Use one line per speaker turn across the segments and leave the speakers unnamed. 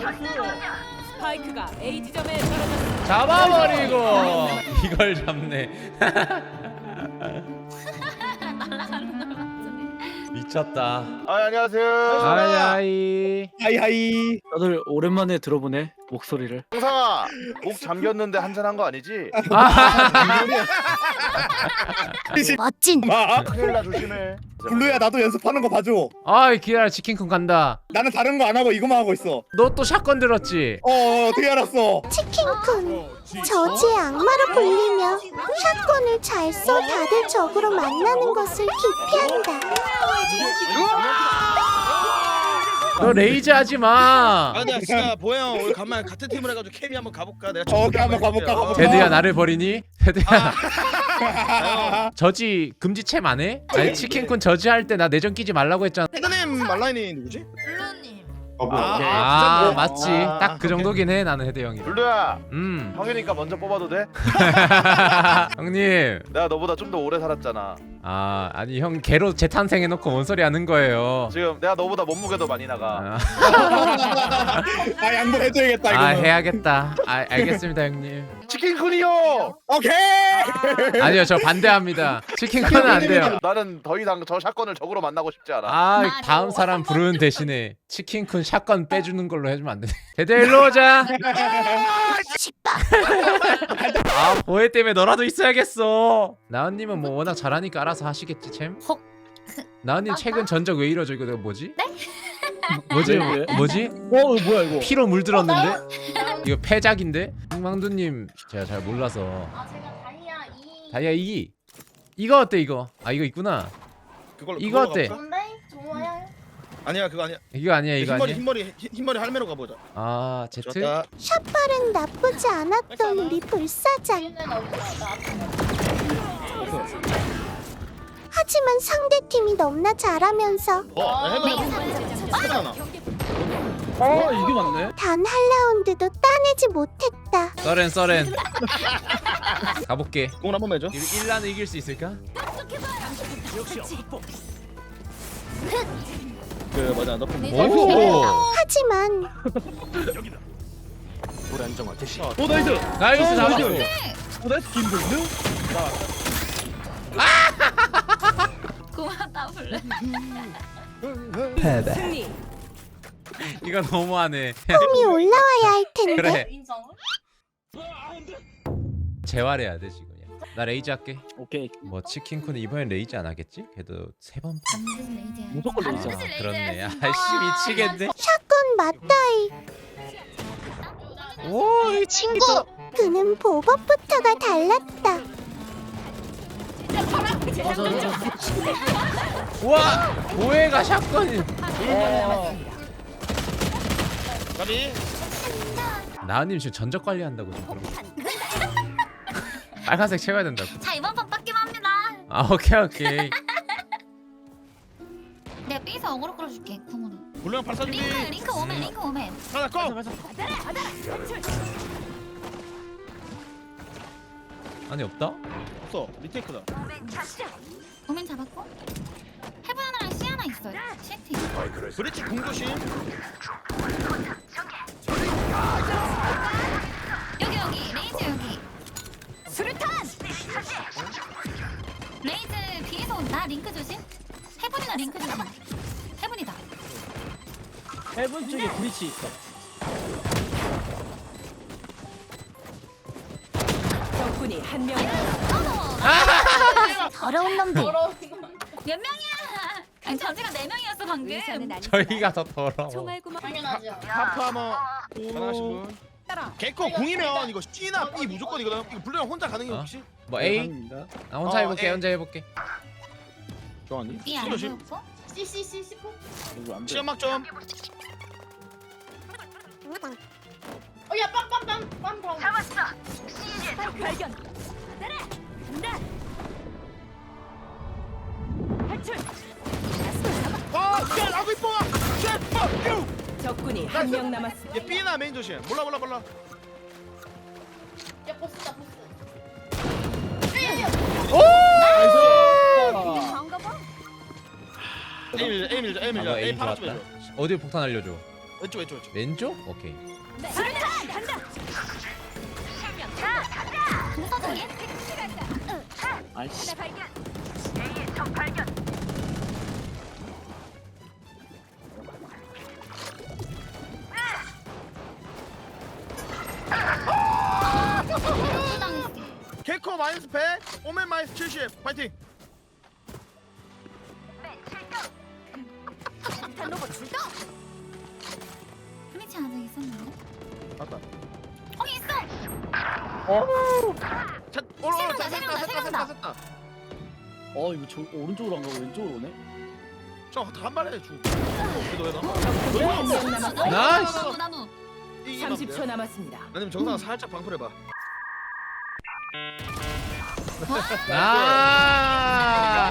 스파이크가 A 지점에 떨어졌습니다.
잡아버리고 이걸 잡네.
날아가는 걸 봤지.
미쳤다.
안녕하세요.
하이하이.
하이하이.
다들 오랜만에 들어보네 목소리를.
형상아, 목 잠겼는데 한잔한 거 아니지?
멋진.
큰일 나 조심해.
블루야 나도 연습하는 거 봐줘.
아이 기다려 치킨쿤 간다.
나는 다른 거 안 하고 이거만 하고 있어.
너 또 샷건 들었지?
어떻게 알았어?
치킨쿤 저지의 악마로 불리며 샷건을 잘 써 다들 적으로 만나는 것을 기피한다.
너 레이즈 하지 마.
아 근데 진짜 보영 우리 간만에 같은 팀을 해가지고 케미 한번 가볼까? 내가
오케이 한번 가볼까?
데드야 나를 버리니? 데드야. 저지 금지챔 안 해? 아니 치킨쿤 저지 할 때 나 내전 끼지 말라고 했잖아.
헤드님 말라인이 누구지?
블루님.
아 맞지. 딱 그 정도긴 해 나는 헤드 형이.
블루야, 형이니까 먼저 뽑아도 돼?
형님.
내가 너보다 좀 더 오래 살았잖아.
아 아니 형 개로 재탄생해놓고 뭔 소리 하는 거예요.
지금 내가 너보다 몸무게도 많이 나가.
아 양보해줘야겠다 이거.
아 해야겠다. 아 알겠습니다 형님.
치킨쿤이요.
오케이.
아니요 저 반대합니다. 치킨쿤은 안 돼요.
나는 더 이상 저 샷건을 적으로 만나고 싶지 않아.
아 다음 사람 부르는 대신에 치킨쿤 샷건 빼주는 걸로 해주면 안 돼. 데드 일로 오자. 아 보혜 때문에 너라도 있어야겠어. 나은님은 뭐 워낙 잘하니까 알아서 하시겠지 챔.
헉.
나은님 최근 전적 왜 이러죠? 이거 내가 뭐지? 뭐지?
왜?
뭐지?
뭐야 이거?
피로 물들었는데? 이거 패작인데? 망두님 제가 잘 몰라서.
아 제가 다이아 2.
다이아 2 이거 어때 이거? 아 이거 있구나.
그걸로
이거 어때?
가볼까?
뭔데? 좋아요.
아니야 그거 아니야.
이거 아니야 이거 아니야?
흰머리 할매로 가보자.
아 제트?
좋았다.
샷발은 나쁘지 않았던 우리 불사장.
얘는 어디서
하지만 상대팀이 너무나 잘하면서
해봐.
이게 맞네.
단 한 라운드도 따내지 못했다.
써렌 가볼게.
공을 한번 해줘.
1라는 이길 수 있을까?
그 뭐냐 너
오!
하지만
우리 안정화 대시.
오 나이스.
나이스 잡았고.
오 나이스 김동규.
고맙다 블루.
승리.
이거 너무하네.
폼이 올라와야 할 텐데.
그래
인정.
재활해야 돼 지금. 나 레이즈 할게.
오케이.
뭐 치킨쿤은 이번엔 레이즈 안 하겠지? 그래도 3번.
반드시 레이즈.
무조건 레이즈.
반드시 레이즈.
그렇네.
해야지.
아씨 미치겠네.
샷건 맞다이.
오, 이
친구. 그는 보법부터가 달랐다.
와, 보혜가 샷건이.
가비.
나은님 지금 전적 관리한다고 지금 그런 거. 빨간색 채워야 된다고.
자 이번 판 빡기만 합니다.
아 오케이.
내가 B에서 어그로 끌어줄게 궁으로.
물량 발사 준비.
링크 오멘.
하나 고.
아니 없다?
없어. 리테이크다.
오멘 잡았고. 해븐 하나랑 C 하나 있어요. CT.
브릿지 공조심.
여기 레이즈 여기. 수류탄. 레이즈 B에서 온다. 링크 조심. 해븐이나 링크 조심. 해븐이다.
해븐 쪽에 브리치 있어.
적군이 한 명.
더러운 놈들.
몇 명이야? 아니 저지가 4명이었어 방금.
의사는 아니.
저희가 더 더러워.
총알구멍.
당연하죠.
하프 하머. 가능하신 분.
따라.
개코 궁이면 이거 C나 B 무조건이거든. 이거 블루랑 혼자 가능해
어?
혹시?
뭐 A?
가능합니다.
나 혼자 해볼게.
A.
혼자 해볼게.
좋아하니?
B
C
안
조심.
보였고. C.
이거 안 돼.
시험막 좀.
어야 빰빰빰빰 잡았어.
발견. 나. 탈출.
쉣! 아구 이뻐! 쉣! fuck you!
적군이 한 명 남았습니다.
얘 B나 메인 조심. 몰라.
야 보스다 보스.
A 밀자.
아,
A
A
파라 좀
좋았다.
해줘.
어디 폭탄 알려줘.
왼쪽 왼쪽 왼쪽.
왼쪽? 오케이.
수류탄 간다.
동서적인?
아이씨.
당했어.
개코 마이너스 100, 오멘 마이너스 70. 파이팅.
폭탄 로봇 출동.
브리치 아직 있었는데?
맞다.
있어!
자,
세명다.
쐈다.
이거 저 오른쪽으로 안 가고 왼쪽으로 오네.
저한 발에 주. 그래도 왜 나?
적군이 한 명 남았습니다.
나이스.
나도.
30초 남았습니다.
아니면 정상 살짝 방풀해봐.
아.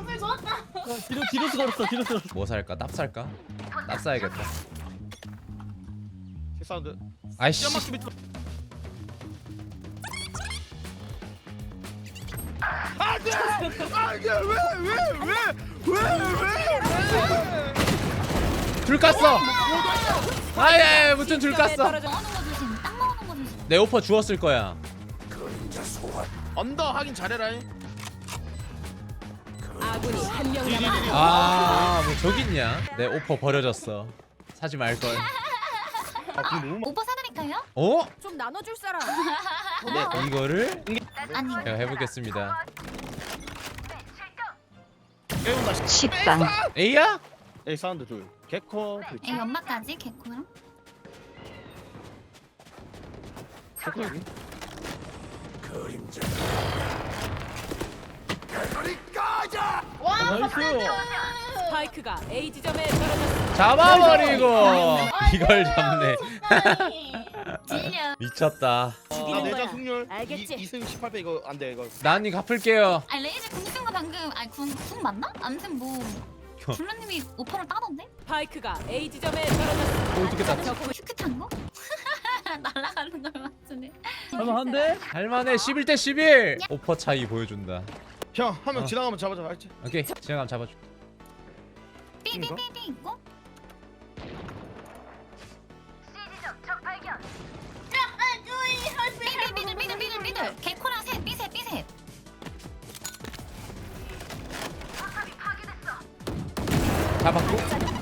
뒤로 걸었어.
뭐 살까? 납 살까? 납 사야겠다.
사운드.
아이씨.
연막기 밑으로. 안돼! 안돼! 왜?
줄 깠어. 아예 무튼 줄 깠어.
떨어져.
먹는 거 조심. 딱 먹는 거 조심.
내 오퍼 주웠을 거야.
언더 하긴 잘해라잉.
아군이 한 명 남았습니다.
아, 뭐 저기 있냐? 내 오퍼 버려졌어. 사지 말 걸.
오빠 사드릴까요?
어?
좀 나눠줄 사람.
이거를
아니.
제가 해보겠습니다.
깨운다.
식빵.
A야?
에이 사운드 둘. 개코.
애 연막까지 개코랑.
개코 여기.
나이스.
스파이크가 A 지점에 떨어졌습니다.
잡아버리고 이걸 잡네.
질려.
미쳤다.
나
죽이는
내자
거야.
승률.
알겠지?
2승 18패 이거 안 돼 이거.
난이 갚을게요.
아 레이즈 궁 쓴 거 방금 궁 맞나? 아무튼 뭐 블루님이 오퍼를 따던데?
스파이크가 A 지점에 떨어졌습니다.
어떻게 땄지?
적군
큐큐 탄 거? 날아가는 걸 맞추네.
할만한데?
할만해. 11대 11. 오퍼 차이 보여준다.
형 한 명 지나가면 잡아줘 알지?
오케이. 지나가면 잡아줘.
삐삐삐삐 있고. 삐들 개코랑 셋 삐셋
잡았고.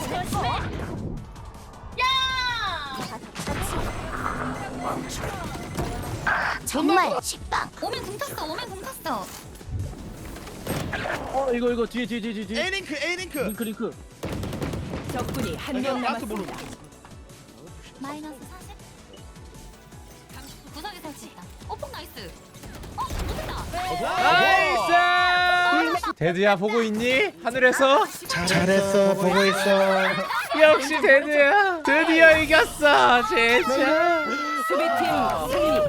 정말 식빵.
오면 궁 탔어
이거 뒤에.
A 링크.
링크.
적군이 한 명 남았습니다.
마이너스 40 구석에 설치했다. 오폭 나이스. 못했다.
나이스. 데드야 보고 있니? 하늘에서?
잘했어 보고 있어.
역시 데드야. 드디어 이겼어. 진짜.
수비팀 승리.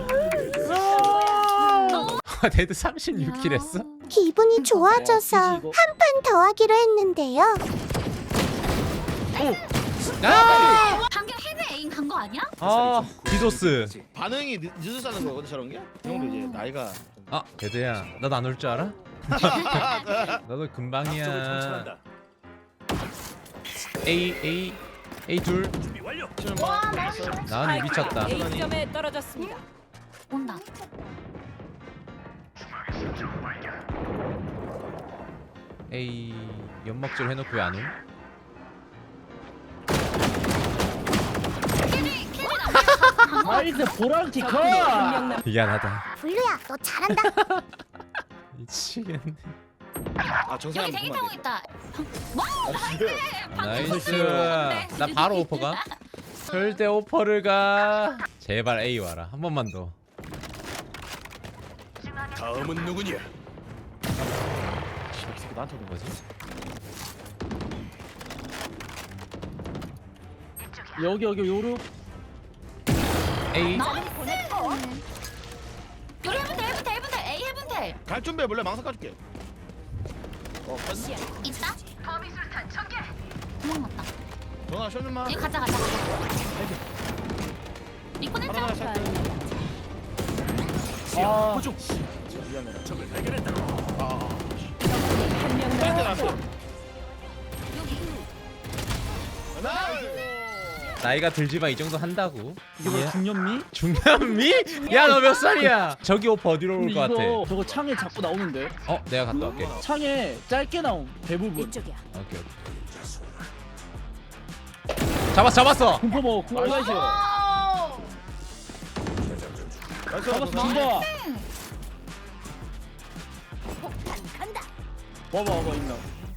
데드 36킬 했어?
기분이 좋아져서 한 판 더 하기로 했는데요.
아!
방금 헤드 에임 간 거 아니야?
아, 디도스.
반응이 늦어지는 거거든 저런 게? 이 정도 이제 나이가.
아, 데드야. 나도 안 올 줄 알아? 너도 금방이야. A 둘. 나은이 미쳤다.
A 지점에 떨어졌습니다.
온다.
A 연막질 해놓고 왜 안 올?
나이스 보라티 컷.
적군이 한 명 남.
미안하다.
블루야, 너 잘한다.
미치겠네.
아 정상
여기 대기 타고 있다.
나이스. 나 바로 오퍼가. 절대 오퍼를 가. 제발 A 와라. 한 번만 더.
다음은 누구냐?
이 새끼 나한테 오는 거지?
여기 요루.
A.
나이스. 요리 해븐텔 A 해븐텔
갈 준비해 몰래 망상 까줄게.
있다. 도망갔다.
너나 쇼님만.
여기 가자. 리콘 했죠?
하나 샷.
아.
한 명
뺄때
남았습니다.
났어.
여기.
나이스.
나이가 들지만 이 정도 한다고.
이게 뭐 중년미?
중남미? 야 너 몇 살이야? 저기 오퍼 어디로 올
근데
것 같아?
이거 저거 창에 자꾸 나오는데.
내가 갔다 올게.
창에 짧게 나옴 대부분.
이쪽이야.
오케이. 잡았어.
공포 먹어. 공포 나이스. 잡았어. 중바. 봐봐 있나.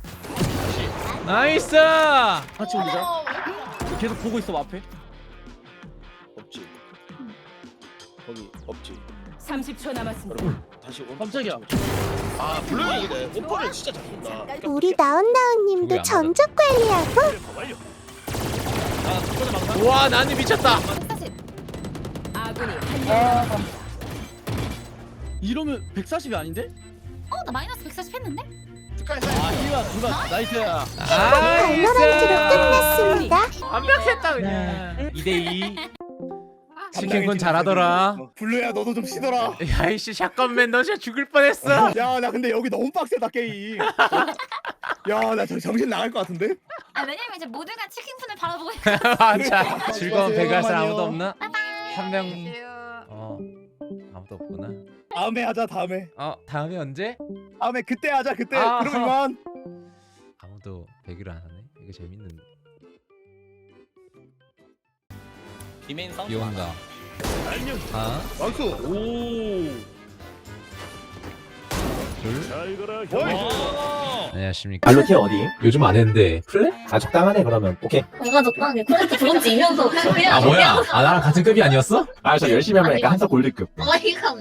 나이스.
같이 올리자. 계속 보고 있어 앞에.
없지. 거기 없지.
30초 남았습니다.
다시 온.
깜짝이야.
아 블루이네. 오퍼를 진짜 잘 쏜다.
우리 나은나은님도
그게 안
전적 관리하고
아 첫번째 망상.
우와 나는 미쳤다.
140.
아군이 한명
이러면 140이 아닌데?
나 마이너스 140 했는데?
아 힐가 누가 나이스야.
발로란트로 끝났습니다.
완벽했다 그냥. 2대2. 치킨군 잘하더라.
블루야 너도 좀 쉬더라.
야이씨 샷건맨 너 진짜 죽을 뻔했어.
야 나 근데 여기 너무 빡세다 게임. 야 나 정신 나갈 것 같은데?
왜냐면 이제 모두가 치킨푼을 바라보고 있어.
맞아. 즐거운 배가살 아무도 없나?
바이바이.
한 명. 아무도 없구나.
다음에 하자 다음에.
다음에 언제?
다음에 그때 하자 그때.
아.
그럼 이만.
아무도 배기를 안 하네. 이거 재밌는데.
비메인 사운드.
비 온다. 하나,
나이스.
오.
둘. 안녕하십니까.
알로티 어디?
요즘 안 했는데 플레?
아 적당하네 그러면. 오케이.
뭔가 적당하게 콜렉트 브론즈 이면서 그냥
뭐야? 나랑 같은 급이 아니었어?
아 저 열심히 하면 약간 한석 골드급.
어이가